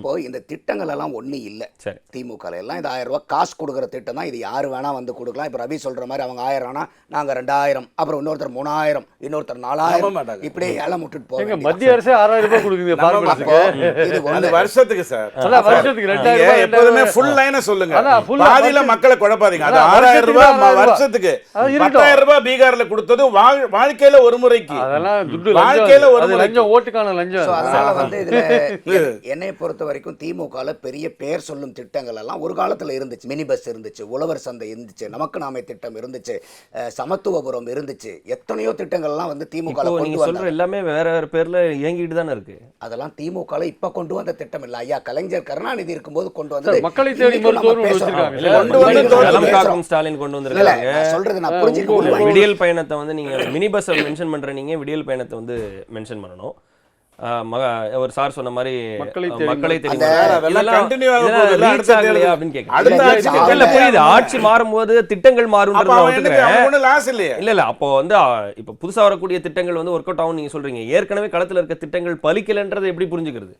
அப்போ இந்த திட்டங்கள் எல்லாம் ஒன்றும் இல்லை திமுக எல்லாம். இந்த 1000 ரூபாய் காசு கொடுக்குற திட்டம் தான். இது யார் வேணா வந்து கொடுக்கலாம். இப்போ ரவி சொல்ற மாதிரி அவங்க 1000 ஆனா நாங்க 2000, அப்புறம் இன்னொருத்தர் 3000, இன்னொருத்தர் 4000, இப்படியே ஏலம் விட்டுட்டு போவாங்க. மத்திய அரசே 6000 ரூபாய் கொடுக்குது பார்மர்ஸ்க்கு. இது அந்த வருஷத்துக்கு சார், அதான் வருஷத்துக்கு 2000 ரூபாய். எப்பவுமே ஃபுல் லைனை சொல்லுங்க, பாதியில மக்களை குழப்பாதீங்க. அது 6000 ரூபாய் வருஷத்துக்கு. 10000 ரூபாய் பீகார்ல கொடுத்தது வாழ்க்கையில ஒரு முறைக்கு, அதெல்லாம் துட்டு வாழ்க்கையில ஒரு லஞ்சம், ஓட்டுக்கான லஞ்சம். அதனால வந்து இதுல என்னை பொறுத்த வரைக்கும் திமுகல பெரிய பேர் சொல்லும் திட்டங்கள் எல்லாம் ஒரு காலத்துல இருந்துச்சு. மினி பஸ் இருந்துச்சு, உழவர் சந்தை இருந்துச்சு, நமக்கு நாமே திட்டம் இருந்துச்சு, சமத்துவபுரம் இருந்துச்சு, எத்தனையோ திட்டங்கள் எல்லாம் வந்து திமுக நீங்க சொல்ற எல்லாமே வேற வேற பேர்ல இயங்கிட்டு தானே இருக்கு. அதெல்லாம் திமுக இப்ப கொண்டு வந்த திட்டம் இல்ல ஐயா. கலைஞர் கருணாநிதி இருக்கும்போது கொண்டு வந்தது. மக்களை தேடி மருத்துவர் வச்சிருக்காங்க, ஸ்டாலின் கொண்டு வந்திருக்காங்க. சொல்றது நான் புரிஞ்சுக்க. விடியல் பயணத்தை வந்து நீங்க மினி பஸ் மென்ஷன் பண்ற, நீங்க விடியல் பயணத்தை வந்து மென்ஷன் பண்ணணும். ஒரு சார் சொன்ன மாதிரி மக்களை புரியுது. ஆட்சி மாறும்போது திட்டங்கள் மாறும். இல்ல இல்ல, அப்போ வந்து இப்ப புதுசா வரக்கூடிய திட்டங்கள் வந்து ஒர்க் அவுட் ஆகும் நீங்க சொல்றீங்க. ஏற்கனவே களத்துல இருக்க திட்டங்கள் பலிக்கலன்றது எப்படி புரிஞ்சுக்கிறது?